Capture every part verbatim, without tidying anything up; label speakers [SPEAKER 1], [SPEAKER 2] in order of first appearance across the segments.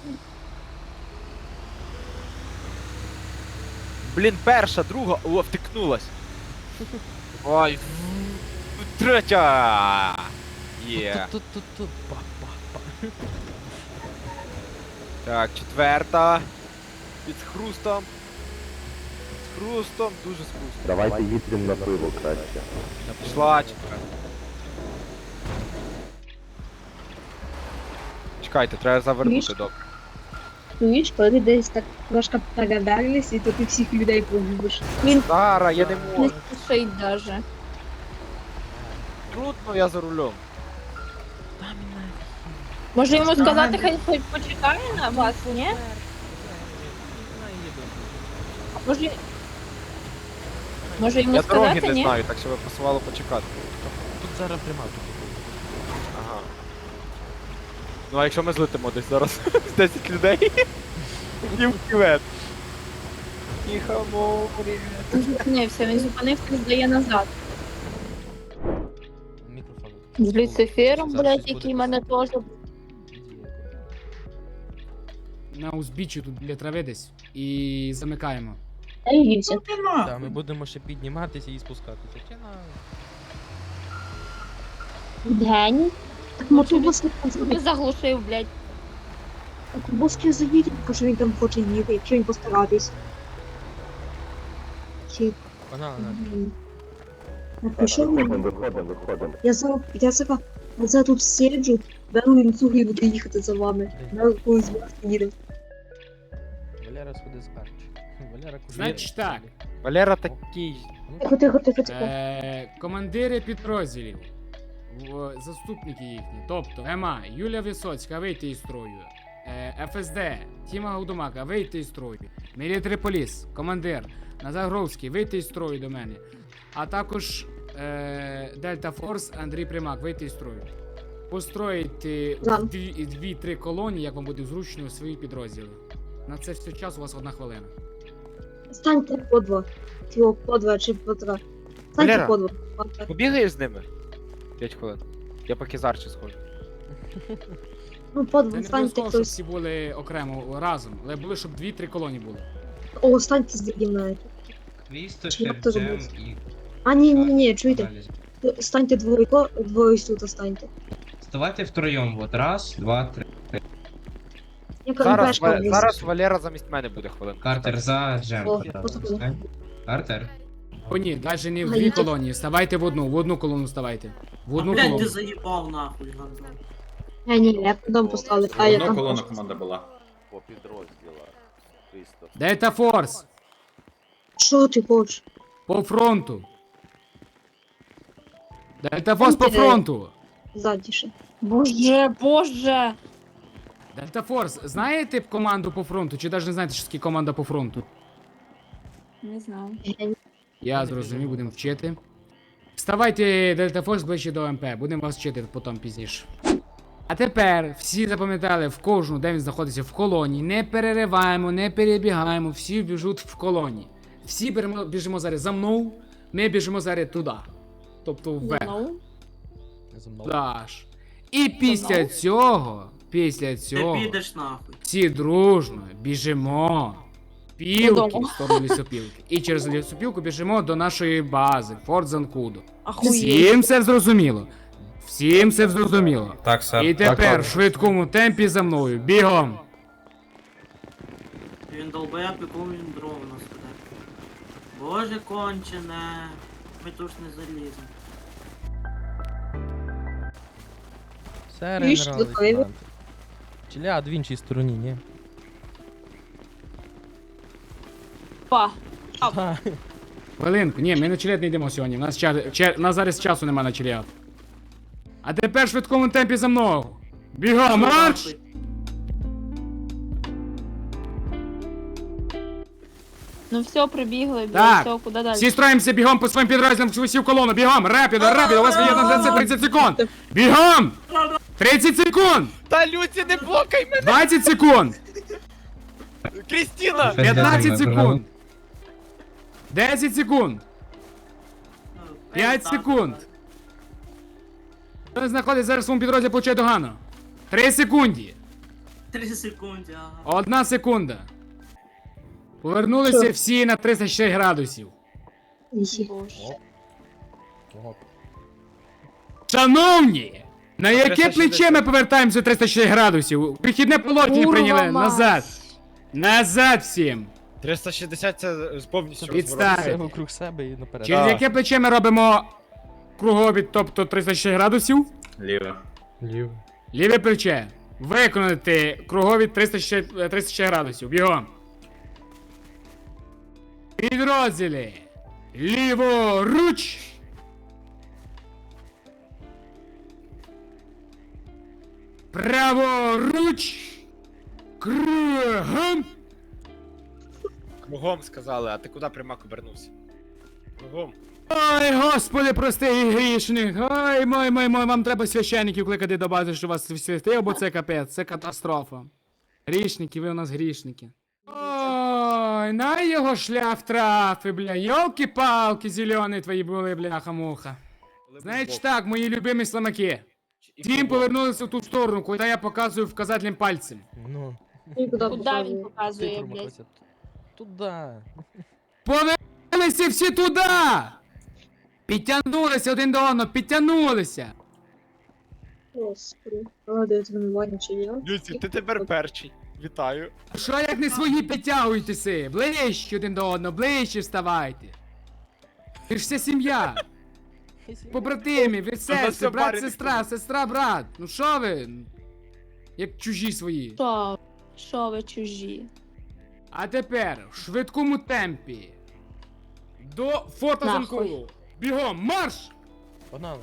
[SPEAKER 1] Блін, перша, друга, о, втикнулась. Ой, третя. Є.
[SPEAKER 2] Тут-тут-тут-тут. Па-па-па.
[SPEAKER 1] Так, четверта. Під хрустом. З хрустом, дуже з хрустом.
[SPEAKER 3] Давайте їдемо на пиво краще.
[SPEAKER 1] Пішла четверта. Чекайте, треба завернути,
[SPEAKER 4] Міш?
[SPEAKER 1] добре.
[SPEAKER 4] Чуєш, коли десь так трошки передарились, і то ти всіх людей погубиш. Він
[SPEAKER 1] Сара, я не
[SPEAKER 4] не
[SPEAKER 1] можу.
[SPEAKER 4] спішить даже.
[SPEAKER 1] Трудно, я за рулем.
[SPEAKER 5] Може йому сказати, хай хоч почекає на вас, ні? Може... Може йому
[SPEAKER 1] Я дороги
[SPEAKER 5] сказати,
[SPEAKER 1] не
[SPEAKER 5] ні?
[SPEAKER 1] знаю, так що ви пасувало почекати.
[SPEAKER 2] Тут зараз пряма тут.
[SPEAKER 1] Ага. Ну а якщо ми злетимо десь зараз з десять людей? І в кювет. Тихо, морі.
[SPEAKER 5] Він зупинився, він зупинився і здає назад.
[SPEAKER 2] Мікрофон.
[SPEAKER 5] З Люцифером,
[SPEAKER 2] Зараз
[SPEAKER 5] блядь,
[SPEAKER 2] щось
[SPEAKER 5] який
[SPEAKER 2] буде
[SPEAKER 5] мене теж...
[SPEAKER 6] На узбіччі тут біля трави десь і замикаємо.
[SPEAKER 4] Дивіться.
[SPEAKER 2] Так, ми будемо ще підніматися і спускатися. Чи на...
[SPEAKER 4] Гені. Так мотобуски
[SPEAKER 5] Ти
[SPEAKER 4] заїдь.
[SPEAKER 5] заглушив, блядь.
[SPEAKER 4] Мотобуски заїдь, бо що він там хоче їти, якщо він постаратись. Чи...
[SPEAKER 2] Погнали, на.
[SPEAKER 4] Блін. Напиши мені.
[SPEAKER 3] Виходимо, виходимо, виходимо.
[SPEAKER 4] Я зараз, я зараз, я зараз тут сиджу, беру лінцюги і буду їхати за вами. На якусь вас їде.
[SPEAKER 2] Валера сходи з Арчі. Валера куди?
[SPEAKER 6] Значить так.
[SPEAKER 1] Валера такий.
[SPEAKER 4] Тихо, тихо, тихо, тихо.
[SPEAKER 6] Е, командири підрозділів, в- заступники їхні, тобто ЕМА, Юлія Висоцька, вийти із строю, е, ФСД, Тіма Гудумака, вийти із строю, Мілітарі Поліс, командир, Назар Гровський, вийти із строю до мене, а також е, Дельта Форс, Андрій Примак, вийти із строю. Построїти
[SPEAKER 4] Да.
[SPEAKER 6] дві- дві-три колонії, як вам буде зручно, у свої підрозділи. На це все час у вас одна хвилина.
[SPEAKER 4] Станьте по два. Тіо, по два чи по три. Станьте
[SPEAKER 1] Валера.
[SPEAKER 4] по два.
[SPEAKER 1] Побігаєш з ними? п'ять хвилин. Я поки з Арчі схожу.
[SPEAKER 4] Ну, по
[SPEAKER 6] Це
[SPEAKER 4] два,
[SPEAKER 6] не
[SPEAKER 4] станьте
[SPEAKER 6] обов'язково, щоб
[SPEAKER 4] хтось.
[SPEAKER 6] всі були окремо разом, але були, щоб дві-три колонії були.
[SPEAKER 4] О, станьте з мною. Чи як то
[SPEAKER 7] Крістофер, Джем
[SPEAKER 4] зробити?
[SPEAKER 7] і
[SPEAKER 4] А, ні, ні, ні, чуєте?
[SPEAKER 7] аналіз.
[SPEAKER 4] Станьте двоє, двоє тут станьте.
[SPEAKER 7] Вставайте втроєм, вот, раз, два, три.
[SPEAKER 4] Я
[SPEAKER 1] Зараз,
[SPEAKER 4] КМПшка
[SPEAKER 1] Ва-
[SPEAKER 4] влізу.
[SPEAKER 1] зараз Валера замість мене буде хвилин.
[SPEAKER 7] Картер за Джем.
[SPEAKER 4] О,
[SPEAKER 7] пожалуйста,
[SPEAKER 4] господи.
[SPEAKER 7] встань. Картер.
[SPEAKER 6] О, ні, навіть не в
[SPEAKER 4] А
[SPEAKER 6] дві
[SPEAKER 4] я-
[SPEAKER 6] колонії, ставайте в одну, в одну колону ставайте. В одну
[SPEAKER 8] Блядь,
[SPEAKER 6] колону.
[SPEAKER 8] ти заїбав нахуй, гандон.
[SPEAKER 4] Ні, ні, я потім поставлю. А, я
[SPEAKER 9] Одна
[SPEAKER 4] там
[SPEAKER 9] колона
[SPEAKER 4] просто-
[SPEAKER 9] команда була.
[SPEAKER 3] По підрозділах. Крістоф.
[SPEAKER 6] Дельта Форс,
[SPEAKER 4] Що ти хочеш?
[SPEAKER 6] по фронту. Дельта Форс по
[SPEAKER 4] Станьте,
[SPEAKER 6] фронту.
[SPEAKER 4] Задіше.
[SPEAKER 5] Боже, боже!
[SPEAKER 6] Дельта Форс, знаєте команду по фронту, чи навіть не знаєте, що таке команда по фронту?
[SPEAKER 5] Не знаю.
[SPEAKER 6] Я зрозумів, будемо вчити. Вставайте, Дельта Форс, ближче до МП, будемо вас вчити потім пізніше. А тепер всі запам'ятали в кожну, де він знаходиться в колонії. Не перериваємо, не перебігаємо, всі біжуть в колонії. Всі беремо, біжимо зараз за мною, ми біжимо зараз туди. Тобто вверх.
[SPEAKER 5] Ну,
[SPEAKER 2] За мною.
[SPEAKER 6] Даш. І після цього, після
[SPEAKER 8] Ти
[SPEAKER 6] цього,
[SPEAKER 8] підеш нахуй.
[SPEAKER 6] всі дружно біжимо. Пілки
[SPEAKER 5] Додому.
[SPEAKER 6] в сторону лісопілки. І через лісопілку біжимо до нашої бази, Форт Занкудо.
[SPEAKER 5] ахуєть.
[SPEAKER 6] Всім все зрозуміло. Всім все зрозуміло.
[SPEAKER 9] Так, сер.
[SPEAKER 6] І тепер в швидкому темпі за мною. Бігом!
[SPEAKER 8] Він долбоєб, якому він дров нас веде. Боже кончене. Ми тут ж не заліземо.
[SPEAKER 2] Все,
[SPEAKER 4] Чуєш,
[SPEAKER 2] генерал
[SPEAKER 4] тут вивід?
[SPEAKER 2] лейтенант. Чиляд в іншій стороні, ні?
[SPEAKER 5] Па.
[SPEAKER 2] Та.
[SPEAKER 6] Хвилинку, ні, ми на челет не йдемо сьогодні. У нас, ча... ча... у нас зараз часу нема на челет. А тепер в швидкому темпі за мною. Бігом, марш!
[SPEAKER 8] Нахуй.
[SPEAKER 5] Ну все, прибігли, блядь,
[SPEAKER 6] Так.
[SPEAKER 5] все, куди далі?
[SPEAKER 6] Всі строїмося бігом по своїм підрозділам в усі в колону. Бігом, рапідо, рапідо, у вас є на тридцять секунд. Бігом! тридцять секунд!
[SPEAKER 1] Та Люці, не блокай мене!
[SPEAKER 6] двадцять секунд!
[SPEAKER 1] Крістіна!
[SPEAKER 6] п'ятнадцять секунд! десять секунд! п'ять секунд! Хто не знаходить зараз в своєму підрозділі, получає догану. три секунди!
[SPEAKER 8] Три секунди, ага.
[SPEAKER 6] Одна секунда. Повернулися
[SPEAKER 4] Що?
[SPEAKER 6] всі на тридцять шість градусів.
[SPEAKER 4] Ісі.
[SPEAKER 5] Боже.
[SPEAKER 2] Ого.
[SPEAKER 6] Шановні! На яке
[SPEAKER 1] триста шістдесят.
[SPEAKER 6] плече ми повертаємося триста шість градусів? Вихідне положення
[SPEAKER 5] Курва
[SPEAKER 6] прийняли.
[SPEAKER 5] мать.
[SPEAKER 6] Назад. Назад всім.
[SPEAKER 1] триста шістдесят це повністю
[SPEAKER 6] Підстав.
[SPEAKER 2] Все вокруг себе і наперед.
[SPEAKER 6] Через
[SPEAKER 1] Так.
[SPEAKER 6] яке плече ми робимо кругові, тобто тридцять шість градусів?
[SPEAKER 3] Ліво.
[SPEAKER 2] Ліво.
[SPEAKER 6] Ліве плече. Виконати кругові триста шість, е, тридцять шість градусів. Бігом. Підрозділі. Ліворуч. Праворуч. Кругом.
[SPEAKER 1] Кругом сказали, а ти куди прямак обернувся? Кругом.
[SPEAKER 6] Ой, господи, прости і грішник. Ой, мой, мой, мой, вам треба священників кликати до бази, що вас святив, бо це капець, це катастрофа. Грішники, ви у нас грішники. Ой, на його шлях трафи, бля, йолки-палки зелені твої були, бляха-муха. Значить так, мої любимі слимаки. Всім повернулися в ту сторону, куди я показую вказательним пальцем.
[SPEAKER 2] Ну,
[SPEAKER 4] І куди
[SPEAKER 5] Куди він
[SPEAKER 4] показує?
[SPEAKER 5] показує,
[SPEAKER 2] цифру
[SPEAKER 5] блядь?
[SPEAKER 2] просять. Туда.
[SPEAKER 6] Повернулися всі туди! Підтягнулися один до одного, підтягнулися!
[SPEAKER 4] Господи. А, де тренування чи я?
[SPEAKER 1] Люці, ти тепер перший. Вітаю.
[SPEAKER 6] Що як не свої підтягуйтеся? Ближче один до одного, ближче вставайте. Ви ж вся сім'я. Побратимі, ви
[SPEAKER 1] все
[SPEAKER 6] сестри, брат,
[SPEAKER 1] парень.
[SPEAKER 6] сестра, сестра, брат. Ну що ви? Як чужі свої.
[SPEAKER 5] Що? Що ви чужі?
[SPEAKER 6] А тепер в швидкому темпі. До форта
[SPEAKER 5] Нахуй.
[SPEAKER 6] Занкулу. Бігом, марш!
[SPEAKER 2] Погнали.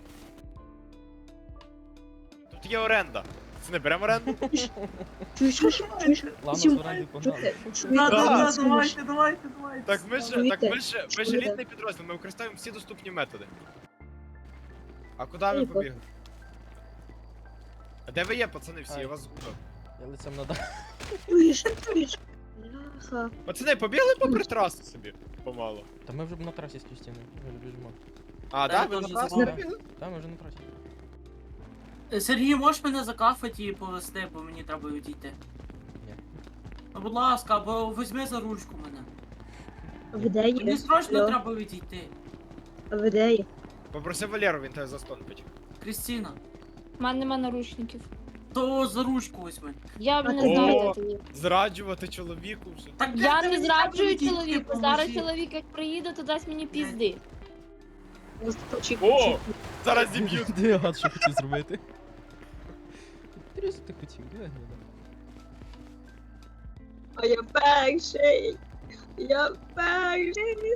[SPEAKER 1] Тут є оренда. Це не беремо оренду?
[SPEAKER 4] Чуєш, чуєш, чуєш?
[SPEAKER 2] Ладно,
[SPEAKER 4] Сім-
[SPEAKER 2] з оренди
[SPEAKER 4] Що
[SPEAKER 2] погнали.
[SPEAKER 4] ти? Що ти
[SPEAKER 8] Да, да, да,
[SPEAKER 4] робиш?
[SPEAKER 8] давайте, давайте, давайте.
[SPEAKER 1] Так ми ж,
[SPEAKER 4] Чуєте?
[SPEAKER 1] так ми ж, ми ж
[SPEAKER 4] Чуєте?
[SPEAKER 1] елітний підрозділ, ми використовуємо всі доступні методи. А куди ви
[SPEAKER 4] Тихо.
[SPEAKER 1] побігли? А де ви є, пацани всі? Я вас згубив.
[SPEAKER 2] Я лицем на дах.
[SPEAKER 4] Чуєш, чуєш? Бляха.
[SPEAKER 1] Пацани, побігли попри трасу собі. Помало.
[SPEAKER 2] Та ми вже на трасі з Кістіни. Ми вже біжимо.
[SPEAKER 1] А,
[SPEAKER 8] Та
[SPEAKER 1] так?
[SPEAKER 8] я
[SPEAKER 1] Ви на
[SPEAKER 8] теж
[SPEAKER 1] трасу
[SPEAKER 8] забув.
[SPEAKER 1] побігли?
[SPEAKER 2] Та, ми вже на трасі.
[SPEAKER 8] Е, Сергій, можеш мене закафати і повести, бо мені треба відійти?
[SPEAKER 2] Ні.
[SPEAKER 8] Ну, будь ласка, або візьми за ручку мене.
[SPEAKER 4] А ви де є?
[SPEAKER 8] Мені срочно
[SPEAKER 4] Алло?
[SPEAKER 8] треба відійти.
[SPEAKER 4] А ви де є?
[SPEAKER 1] Попроси Валеру, він тебе застонпить.
[SPEAKER 8] Крістіна,
[SPEAKER 5] У мене нема наручників.
[SPEAKER 8] то за ручку візьми.
[SPEAKER 5] Я не
[SPEAKER 4] О!
[SPEAKER 5] знаю, де ти є.
[SPEAKER 1] Зраджувати чоловіку вже.
[SPEAKER 8] Так,
[SPEAKER 5] Я
[SPEAKER 8] ти
[SPEAKER 5] не
[SPEAKER 8] мені
[SPEAKER 5] зраджую
[SPEAKER 8] треба відійти,
[SPEAKER 5] чоловіка.
[SPEAKER 8] поможи.
[SPEAKER 5] Зараз чоловік як приїде, то дасть мені пізди.
[SPEAKER 4] Ось то чик-
[SPEAKER 1] О!
[SPEAKER 4] чик.
[SPEAKER 1] Зараз зіб'ють.
[SPEAKER 2] Де я гад, що хотів зробити? Інтересно, ти хотів, де я?
[SPEAKER 4] А я перший. Я перший.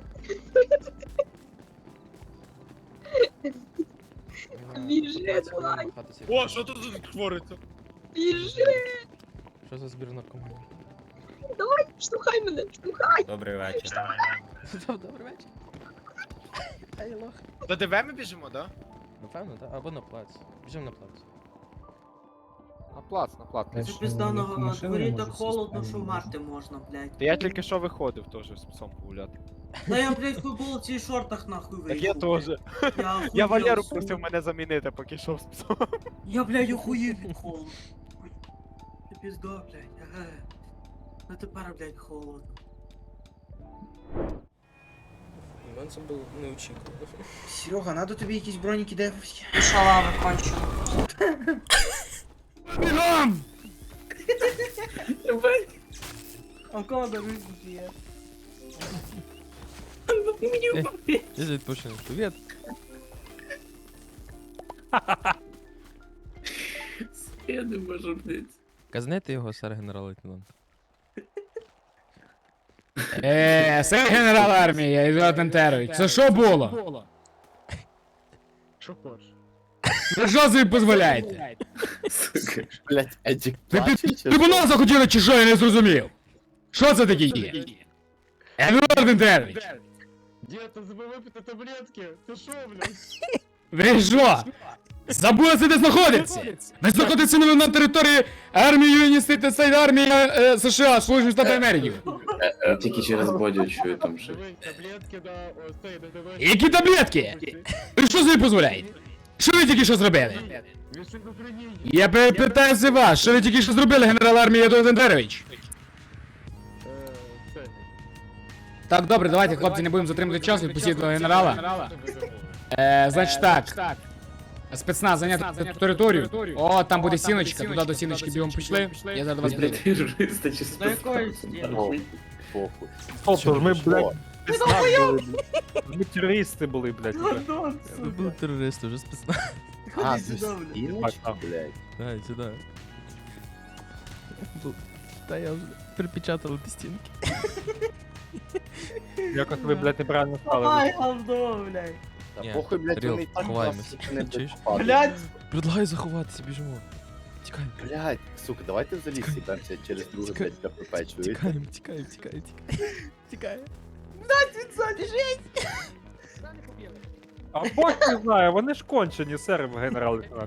[SPEAKER 4] Біжи, давай.
[SPEAKER 1] О, що тут тут твориться?
[SPEAKER 4] Біжи.
[SPEAKER 2] Що за збір наркоманів?
[SPEAKER 4] Давай, штовхай мене, штовхай.
[SPEAKER 9] Добрий вечір.
[SPEAKER 2] Добрий вечір. Ай, лох.
[SPEAKER 1] До ДВ ми біжимо, да?
[SPEAKER 2] Напевно, так. Або на плац. Біжимо на плац.
[SPEAKER 1] На плац, на плац.
[SPEAKER 8] Це пізда на на дворі так холодно, що вмерти можна, блядь.
[SPEAKER 1] Та я тільки що виходив теж з псом погуляти.
[SPEAKER 8] Та я, блядь, в футболці і шортах нахуй
[SPEAKER 1] Так
[SPEAKER 8] вийшов.
[SPEAKER 1] я теж.
[SPEAKER 8] Я,
[SPEAKER 1] Я
[SPEAKER 8] охуєв,
[SPEAKER 1] Валеру
[SPEAKER 8] сука.
[SPEAKER 1] просив мене замінити, поки йшов з псом.
[SPEAKER 8] Я, блядь, охуєв від холоду. Це пізда, блядь. Ага. Ну тепер, блядь, холодно.
[SPEAKER 2] Ну, це було неочікувано.
[SPEAKER 10] Серега, надо тобі якісь броніки дефовські.
[SPEAKER 8] Шалава кончила.
[SPEAKER 6] Бігом!
[SPEAKER 8] А кого різні є?
[SPEAKER 2] Я відпочинок. Привіт.
[SPEAKER 8] Я не можу, блядь.
[SPEAKER 2] Казнете його, сер генерал-лейтенант.
[SPEAKER 6] Е, це генерал армії, Ізот Антерович. Це що було?
[SPEAKER 1] Що хочеш?
[SPEAKER 6] Ви що собі дозволяєте?
[SPEAKER 3] Блять, Едік
[SPEAKER 6] Ви
[SPEAKER 3] плаче
[SPEAKER 6] під
[SPEAKER 3] чи
[SPEAKER 6] трибунал захотіли чи що, я не зрозумів. Що це таке є? Ізот Антерович.
[SPEAKER 1] Дід, забув випити таблетки. Ти що, блядь?
[SPEAKER 6] Ви що? Забули де знаходиться? Ви знаходитеся на, на території армії Юністити Стейт армії е, США, Сполучених Штатів Америки.
[SPEAKER 3] Тільки через бодю чую там ще.
[SPEAKER 1] Таблетки, да, ось цей, да, давай.
[SPEAKER 6] Які таблетки? Ви що собі дозволяєте? Що ви тільки що зробили? Я питаю за вас, що ви тільки що зробили, генерал армії Єдуард Ендерович? Так, добре, давайте, хлопці, не будемо затримувати час, відпустіть до генерала. Е, значить так. Спецназ зайняти територію. О, там буде сіночка, туди до сіночки бігом пішли. Я зараз до вас прийду.
[SPEAKER 3] Терористи чи
[SPEAKER 8] До якої стіни?
[SPEAKER 3] Похуй. Похуй.
[SPEAKER 1] Тобто ж ми, блядь,
[SPEAKER 3] О,
[SPEAKER 1] спецназ були, блядь. Ми терористи були, блядь. уже.
[SPEAKER 2] Це були терористи, вже спецназ.
[SPEAKER 3] А,
[SPEAKER 8] сюди,
[SPEAKER 3] це
[SPEAKER 8] блядь.
[SPEAKER 3] стіночка, блядь.
[SPEAKER 2] Дай сюди. Тут- Та я вже припечатали ті стінки.
[SPEAKER 1] Якось ви, блядь, неправильно
[SPEAKER 8] Давай,
[SPEAKER 1] стали.
[SPEAKER 8] говно, блядь.
[SPEAKER 3] Та
[SPEAKER 2] Ні,
[SPEAKER 3] похуй, блядь,
[SPEAKER 2] Ріл,
[SPEAKER 3] вони і так
[SPEAKER 2] ховаємось.
[SPEAKER 3] нас, сука, не
[SPEAKER 2] Чуєш?
[SPEAKER 3] допадуть.
[SPEAKER 8] Блядь,
[SPEAKER 2] Предлагаю заховатися, біжимо. Тікаємо,
[SPEAKER 3] Блядь, сука, давайте в заліз сібемося через друге, блядь, КПП, чуєте?
[SPEAKER 2] тікаємо, тікаємо, тікаємо, тікаємо. Тікаємо.
[SPEAKER 1] А бог не знає, вони ж кончені, сер, генерал-лейтенант.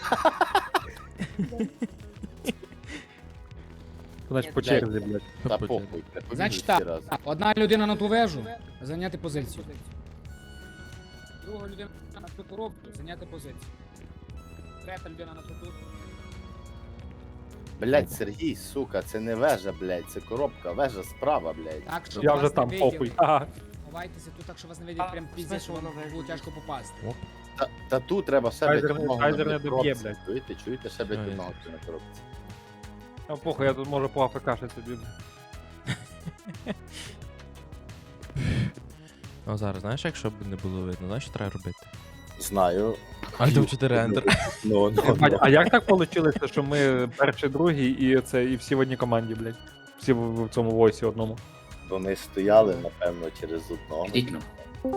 [SPEAKER 1] Значить, по черзі, блядь.
[SPEAKER 3] Та похуй, блядь, побігли
[SPEAKER 6] Значить
[SPEAKER 3] всі
[SPEAKER 6] так,
[SPEAKER 3] разом.
[SPEAKER 6] одна людина на ту вежу, зайняти позицію. Друга людина на ту коробку, зайняти позицію. Третя людина на ту тут.
[SPEAKER 3] Блядь, Сергій, сука, це не вежа, блядь, це коробка, вежа справа, блядь.
[SPEAKER 6] Так, щоб
[SPEAKER 1] Я
[SPEAKER 6] вас
[SPEAKER 1] вже
[SPEAKER 6] не
[SPEAKER 1] там,
[SPEAKER 6] виділи.
[SPEAKER 1] похуй. Ага.
[SPEAKER 6] Ховайтеся тут так, що вас не видять,
[SPEAKER 8] А,
[SPEAKER 6] прям піздець,
[SPEAKER 8] смисл
[SPEAKER 6] що вам
[SPEAKER 8] воно вежа?
[SPEAKER 6] буде тяжко попасти.
[SPEAKER 3] Та, та тут треба ще,
[SPEAKER 1] Кайзер
[SPEAKER 3] блядь,
[SPEAKER 1] не-
[SPEAKER 3] одного
[SPEAKER 1] Кайзер
[SPEAKER 3] на
[SPEAKER 1] не доб'є,
[SPEAKER 3] коробці.
[SPEAKER 1] блядь.
[SPEAKER 3] Чуєте, чуєте, ще, блядь,
[SPEAKER 2] Ой.
[SPEAKER 3] одного на коробці.
[SPEAKER 1] А похуй, я тут можу по АФК собі.
[SPEAKER 2] А зараз, знаєш, якщо б не було видно, знаєш, що треба робити?
[SPEAKER 3] Знаю.
[SPEAKER 2] Альтом чотири Enter.
[SPEAKER 3] Ну, ну,
[SPEAKER 1] А,
[SPEAKER 3] ну.
[SPEAKER 1] а як так вийшло, що ми перший, другий і це і всі в одній команді, блядь? Всі в, в цьому войсі одному.
[SPEAKER 3] Вони стояли, напевно, через одного.
[SPEAKER 10] Ідіть ну.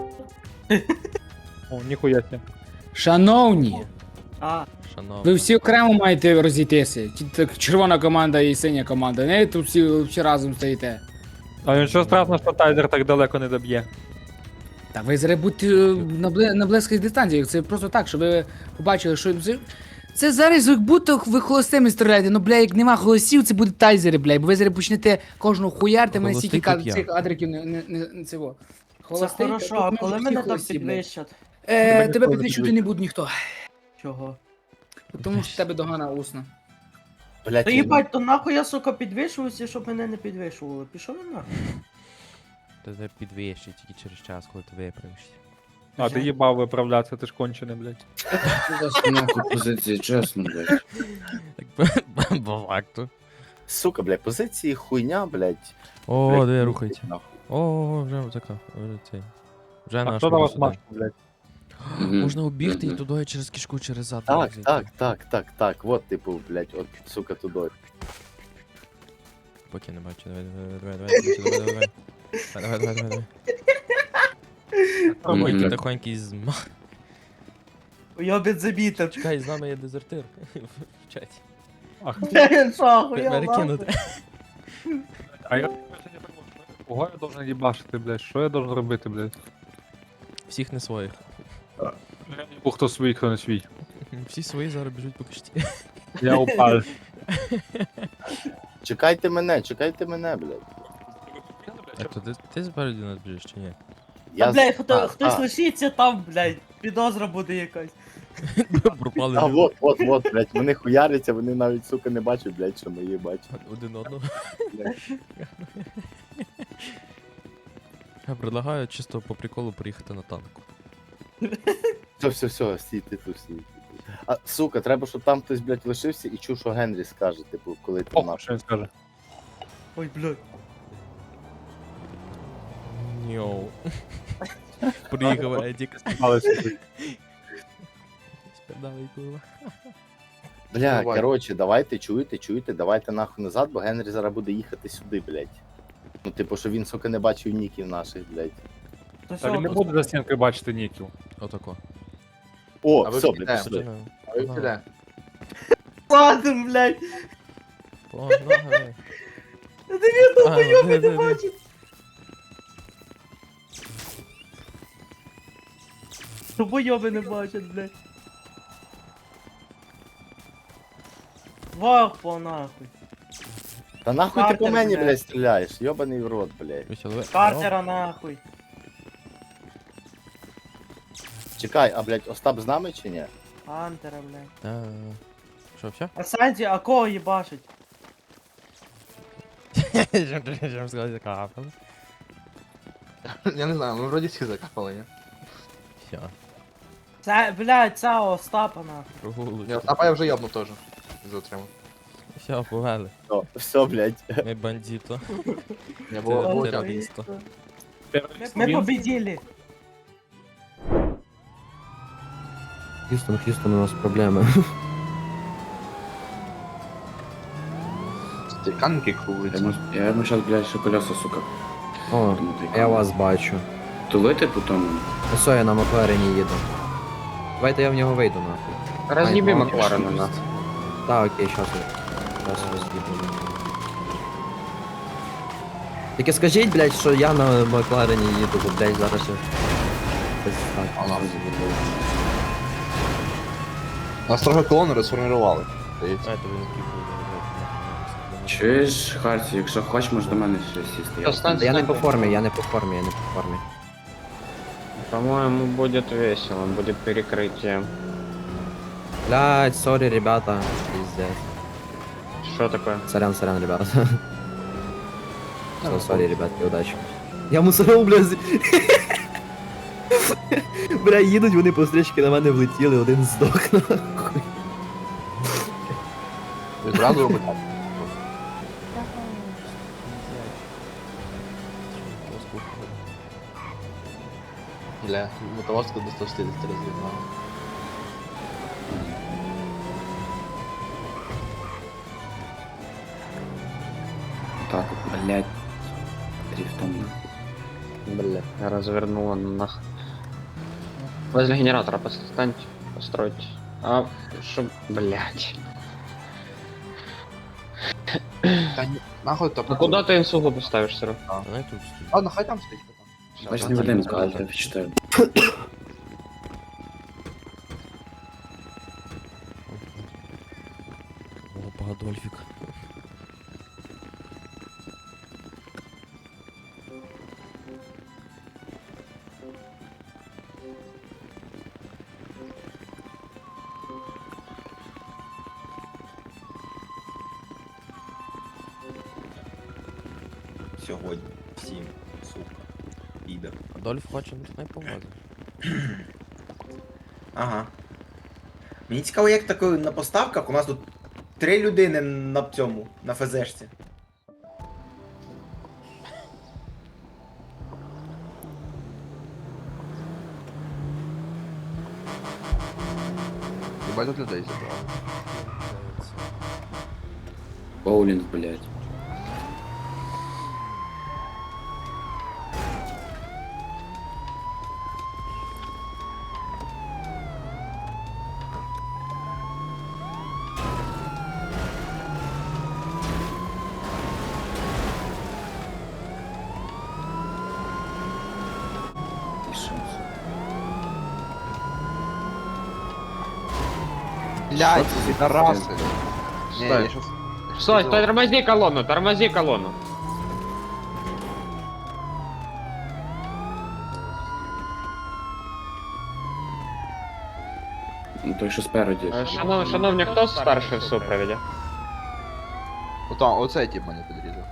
[SPEAKER 1] О, ніхуя сі.
[SPEAKER 6] Шановні,
[SPEAKER 8] А,
[SPEAKER 2] Шановні.
[SPEAKER 6] ви всі окремо маєте розійтися. Ті- так, червона команда і синя команда. Не тут всі, всі разом стоїте.
[SPEAKER 1] А нічого страшного, що Тайзер так далеко не доб'є.
[SPEAKER 6] Та ви зараз будьте е, на, бли, на близьких дистанціях. Це просто так, щоб ви побачили, що це, це зараз як будто ви холостими стріляєте. Ну, бля, як нема голосів, це буде тайзери, бля. Бо ви зараз почнете кожного хуярти, мене
[SPEAKER 2] Холостий
[SPEAKER 6] стільки
[SPEAKER 2] тут я.
[SPEAKER 6] цих адриків не, не, не, не цього.
[SPEAKER 8] це
[SPEAKER 6] Холостий,
[SPEAKER 8] хорошо,
[SPEAKER 6] тут
[SPEAKER 8] а
[SPEAKER 6] ми
[SPEAKER 8] коли
[SPEAKER 6] всі
[SPEAKER 8] мене так
[SPEAKER 6] холості, бля.
[SPEAKER 8] підвищать?
[SPEAKER 6] Е,
[SPEAKER 1] Тебе
[SPEAKER 6] тебе
[SPEAKER 1] ніхто не
[SPEAKER 6] підвищувати не буде ніхто.
[SPEAKER 8] Чого?
[SPEAKER 6] Тому що в тебе догана усна.
[SPEAKER 3] Блядь,
[SPEAKER 8] Та
[SPEAKER 3] він-
[SPEAKER 8] їбать, то нахуй я, сука, підвищуюся, щоб мене не підвищували. Пішов він нахуй.
[SPEAKER 2] Та тебе підвищить тільки через час, коли ти виправишся.
[SPEAKER 1] А, ти їбав виправлятися, ти ж кончений, блядь.
[SPEAKER 10] Нахуй позиції, чесно, блядь.
[SPEAKER 2] Так по- по факту.
[SPEAKER 3] Сука, блядь, позиції хуйня, блядь.
[SPEAKER 2] О,
[SPEAKER 3] Блядь,
[SPEAKER 2] де
[SPEAKER 3] ну,
[SPEAKER 2] рухається.
[SPEAKER 3] нахуй.
[SPEAKER 2] О, вже така, вже цей. Вже
[SPEAKER 1] А
[SPEAKER 2] наш
[SPEAKER 1] хто на вас
[SPEAKER 2] сюди.
[SPEAKER 1] машку, блядь?
[SPEAKER 2] Можна обігти і
[SPEAKER 10] Мгм.
[SPEAKER 2] туди через кишку через зад.
[SPEAKER 3] Так,
[SPEAKER 2] зайти.
[SPEAKER 3] так, так, так, так, от, типу, блядь, от, сука, туди.
[SPEAKER 2] Поки не бачу, давай, давай, давай, давай, давай, давай, давай. Давай, давай, давай, давай.
[SPEAKER 10] Мгм.
[SPEAKER 2] Тихонький, тихонький з...
[SPEAKER 8] Уйобить забітер.
[SPEAKER 2] Чекай, з нами є дезертир. В чаті.
[SPEAKER 1] Ах,
[SPEAKER 8] Він що, охуєв,
[SPEAKER 2] Перекинути.
[SPEAKER 1] а я кого я должен їбашити, блядь? Що я должен робити, блядь?
[SPEAKER 2] Всіх не своїх.
[SPEAKER 1] Бо хто свій, хто не свій.
[SPEAKER 2] Всі свої зараз біжуть по кишті.
[SPEAKER 1] Я упав.
[SPEAKER 3] Чекайте мене, чекайте мене, блядь.
[SPEAKER 2] А то ти, ти спереді нас біжиш чи ні?
[SPEAKER 8] Та, блядь, хто,
[SPEAKER 3] а,
[SPEAKER 8] хтось
[SPEAKER 3] а,
[SPEAKER 8] лишиться там, блядь. Підозра буде якась.
[SPEAKER 2] Пропали
[SPEAKER 3] А,
[SPEAKER 2] люди.
[SPEAKER 3] вот, вот, вот, блядь, вони хуяряться, вони навіть, сука, не бачать, блядь, що ми її бачимо.
[SPEAKER 2] Один одного.
[SPEAKER 3] Блядь.
[SPEAKER 2] Я предлагаю чисто по приколу приїхати на танку.
[SPEAKER 3] Все, все, все, стійте тут, стійте тут. А, сука, треба, щоб там хтось, блядь, лишився і чув, що Генрі скаже, типу, коли ти
[SPEAKER 1] Ох,
[SPEAKER 3] нахуй.
[SPEAKER 1] що він скаже.
[SPEAKER 8] Ой, блядь.
[SPEAKER 2] Йоу. Приїхав Едік.
[SPEAKER 1] Але собі.
[SPEAKER 2] Спідавий курва.
[SPEAKER 3] Бля,
[SPEAKER 10] Давай.
[SPEAKER 3] коротше, давайте, чуєте, чуєте, давайте нахуй назад, бо Генрі зараз буде їхати сюди, блядь. Ну, типу, що він, сука, не бачив ніків наших, блядь.
[SPEAKER 8] То
[SPEAKER 1] Та він не
[SPEAKER 8] що,
[SPEAKER 1] буде за стінкою бачити ніків.
[SPEAKER 2] Отако.
[SPEAKER 3] О,
[SPEAKER 10] А ви
[SPEAKER 3] все,
[SPEAKER 10] піде?
[SPEAKER 3] блядь, пішли.
[SPEAKER 2] Погнали.
[SPEAKER 10] А ви куди?
[SPEAKER 8] ладно, блядь.
[SPEAKER 2] Погнали.
[SPEAKER 8] Та він
[SPEAKER 2] А,
[SPEAKER 8] долбойоб
[SPEAKER 2] де,
[SPEAKER 8] не
[SPEAKER 2] де, де?
[SPEAKER 8] бачить. Долбойоби не бачать, блядь. Вах по нахуй.
[SPEAKER 3] Та нахуй ти по
[SPEAKER 8] Картер,
[SPEAKER 3] мені,
[SPEAKER 8] блядь.
[SPEAKER 3] блядь, стріляєш, йобаний в рот, блядь.
[SPEAKER 2] Веселове.
[SPEAKER 8] Картера нахуй.
[SPEAKER 3] Чекай, а, блядь, Остап з нами чи ні?
[SPEAKER 8] Хантера, блядь.
[SPEAKER 2] Та... Що, все?
[SPEAKER 8] А Санті, а кого їбашить?
[SPEAKER 2] Жем сказати, закапали.
[SPEAKER 9] Я не знаю, ми вроді всі закапали, ні?
[SPEAKER 2] Все,
[SPEAKER 8] Це, блядь, це Остапа нахуй.
[SPEAKER 2] прогулочки.
[SPEAKER 9] Я, а я вже ябнув теж. Затримав.
[SPEAKER 2] Все, повели.
[SPEAKER 3] Все, все, блядь.
[SPEAKER 2] Ми бандито.
[SPEAKER 9] Я було
[SPEAKER 2] Ти-
[SPEAKER 9] було
[SPEAKER 2] ти
[SPEAKER 9] тяжко.
[SPEAKER 2] радісто.
[SPEAKER 8] Ми, ми победили.
[SPEAKER 10] Х'юстон, Х'юстон, у нас проблеми.
[SPEAKER 9] Стіканки крутяться.
[SPEAKER 10] Я йому зараз, блядь, ще колеса, сука.
[SPEAKER 11] О, я вас бачу.
[SPEAKER 10] Тулити по тому?
[SPEAKER 11] Ось я на Макларені їду. Давайте я в нього вийду нахуй.
[SPEAKER 10] Роз'їби
[SPEAKER 11] Ай,
[SPEAKER 10] Макларена, на.
[SPEAKER 11] Так, окей, щас я. Щас роз'їду. Тільки скажіть, блядь, що я на Макларені їду, бо, блядь, зараз ще... Без так.
[SPEAKER 9] Ага. Нас трохи колони розформували. Здається.
[SPEAKER 2] Знаєте, ви не кіпли.
[SPEAKER 10] Чуєш, Харці, якщо хочеш, можеш до мене ще сісти. Я-
[SPEAKER 11] Та я не по формі, я не по формі, я не по формі.
[SPEAKER 10] По-моему, будет весело, будет перекрытие.
[SPEAKER 11] Блядь, сорі, ребята. Пиздец.
[SPEAKER 10] Что такое?
[SPEAKER 11] Сорян, сорян, ребята. Все, сорі, ребятки, удачі. Я мусоров, бля, з... Бля, їдуть вони по стрічки на мене влетіли, один здох нахуй.
[SPEAKER 9] Відразу робить. Бля, мотовозка до сто шістдесят роз'єднала.
[SPEAKER 10] Так, блядь. Дрифтом. Блядь, развернула нах. Возле генератора поставьте, постройте. А, чтоб, блядь.
[SPEAKER 9] Та ні, нахуй то.
[SPEAKER 10] А куда ты инсугу поставишь, Сыру?
[SPEAKER 2] Вона тут стоїть.
[SPEAKER 9] Ладно, хай там стоїть потім.
[SPEAKER 10] Значит, не будем сказать, я читаю.
[SPEAKER 2] Опа, Адольфік.
[SPEAKER 12] Сьогодні. Всім. Сука. Підер.
[SPEAKER 2] Адольф хоче, ну не поможе.
[SPEAKER 12] Ага. Мені цікаво, як таке на поставках у нас тут три людини на цьому, на ФЗшці.
[SPEAKER 9] Єбать тут людей зібрали.
[SPEAKER 10] Боулинг, блядь.
[SPEAKER 9] Блядь, підараси. Ні,
[SPEAKER 10] Стой.
[SPEAKER 9] я щас...
[SPEAKER 10] Стой, стой, тормози колонну, тормози колонну. Ну той, що спереді. Шанов, шановні, хто старший в супроводі?
[SPEAKER 9] Ото, оцей тип мене підрізав.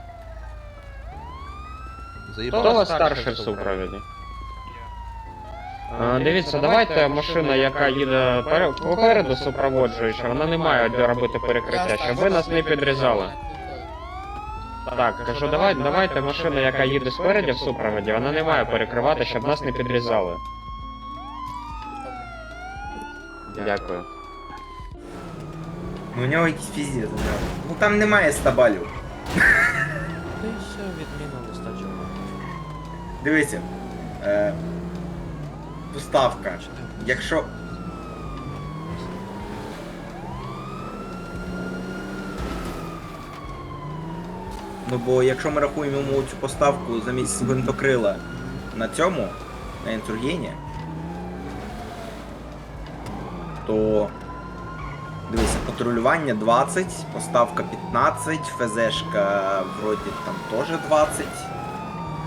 [SPEAKER 9] Заїбав.
[SPEAKER 10] Хто у вас старший в супроводі? А, дивіться, давайте машина, яка їде пере- попереду супроводжуюча, вона не має де робити перекриття, щоб ви нас не підрізали. Так, кажу, давай, давайте машина, яка їде спереді в супроводі, вона не має перекривати, щоб нас не підрізали. Дякую.
[SPEAKER 12] Ну у нього якийсь піздець, да. Ну там немає ста балів.
[SPEAKER 2] Та й все, відміна достатньо.
[SPEAKER 12] Дивися. Е, поставка. Якщо. Ну бо якщо ми рахуємо йому цю поставку замість гвинтокрила на цьому, на інсургені, то дивися, патрулювання двадцять, поставка п'ятнадцять, ФЗшка вроді там теж двадцять.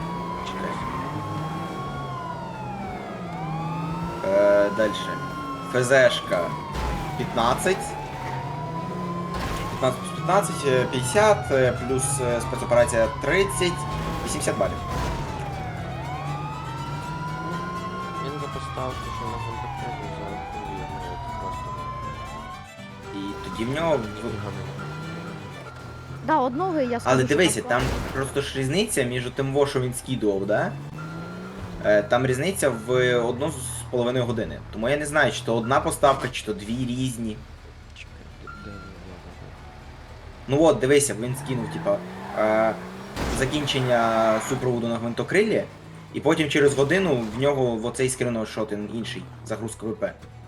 [SPEAKER 12] Чекай. Е, дальше. ФЗшка п'ятнадцять. п'ятнадцять плюс п'ятнадцять, е, п'ятдесят, е, плюс е, спецоперація тридцять, вісімдесят балів.
[SPEAKER 9] Він за поставку, що на контакті за просто.
[SPEAKER 12] І тоді в нього. в-
[SPEAKER 5] Да, одного я скажу.
[SPEAKER 12] Але
[SPEAKER 5] що
[SPEAKER 12] дивися,
[SPEAKER 5] так.
[SPEAKER 12] там просто ж різниця між тим, во, що він скидував, да? Е, Там різниця в одну з половиною години. Тому я не знаю, чи то одна поставка, чи то дві різні.
[SPEAKER 9] Чекай, де- де він, де
[SPEAKER 12] Ну от, дивися, він скинув, типа, е, закінчення супроводу на гвинтокрилі, і потім через годину в нього в оцей скинув шотин інший, загрузка ВП.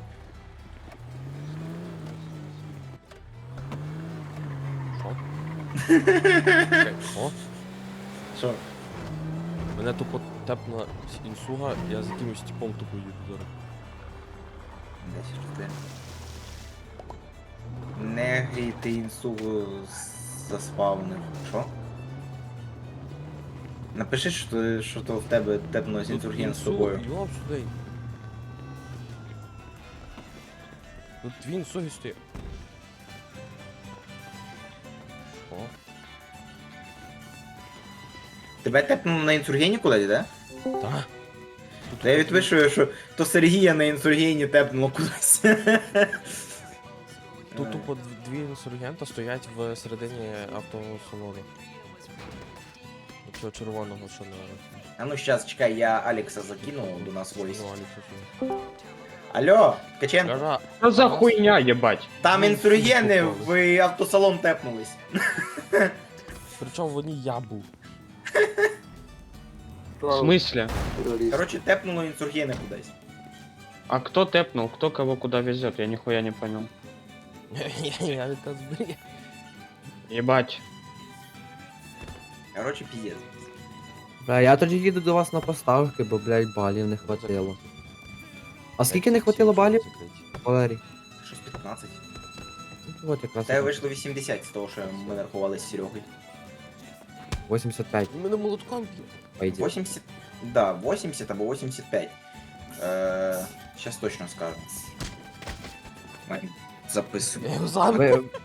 [SPEAKER 9] Чекай, що?
[SPEAKER 12] Що?
[SPEAKER 9] Мене тупо тепна інсуга, я за якимось типом тупо їду зараз.
[SPEAKER 12] Десь жди. Не грій, ти інсугу заспавнив. Що? Напиши, що, то- що то в тебе тепнулось інсурген з тобою.
[SPEAKER 9] Йоп сюди. Тут дві інсуги стоять. Що?
[SPEAKER 12] Тебе тепнуло на інсургені кудись, да?
[SPEAKER 9] Та?
[SPEAKER 12] Та я відпишу, що то Сергія на інсургені тепнуло кудись.
[SPEAKER 9] Тут тупо дв- дві інсургента стоять в середині автосалону. Цього червоного, що на...
[SPEAKER 12] А ну щас, чекай, я Алекса закину до нас войс.
[SPEAKER 9] Ну, Алікса,
[SPEAKER 12] Алло, Ткаченко,
[SPEAKER 9] Кажа,
[SPEAKER 10] Що за хуйня, єбать?
[SPEAKER 12] там
[SPEAKER 9] Ну,
[SPEAKER 12] інсургени
[SPEAKER 9] попали.
[SPEAKER 12] в автосалон тепнулись.
[SPEAKER 9] причому в одній я був.
[SPEAKER 10] В смысле?
[SPEAKER 12] Короче, тепнуло інсургени кудись.
[SPEAKER 10] А кто тэпнул? Кто кого куда везет? Я нихуя не понял.
[SPEAKER 9] Я не та збрия.
[SPEAKER 10] Ебать.
[SPEAKER 12] Короче, піздець.
[SPEAKER 11] Бля, я тоді їду до вас на поставки, бо, блядь, балів не хватило. А скільки не хватило балів, Валерій?
[SPEAKER 12] Щось п'ятнадцять.
[SPEAKER 11] Ну, от якраз
[SPEAKER 12] Та вийшло вісімдесят з того, що ми рахували з Серегою.
[SPEAKER 11] вісімдесят п'ять,
[SPEAKER 9] Він мене молотком б'є.
[SPEAKER 11] по ідеї.
[SPEAKER 12] вісімдесят. Да, вісімдесят або вісімдесят п'ять. Е, Щас точно скажу. Ой, записую.
[SPEAKER 9] Я його зараз.
[SPEAKER 11] Ви,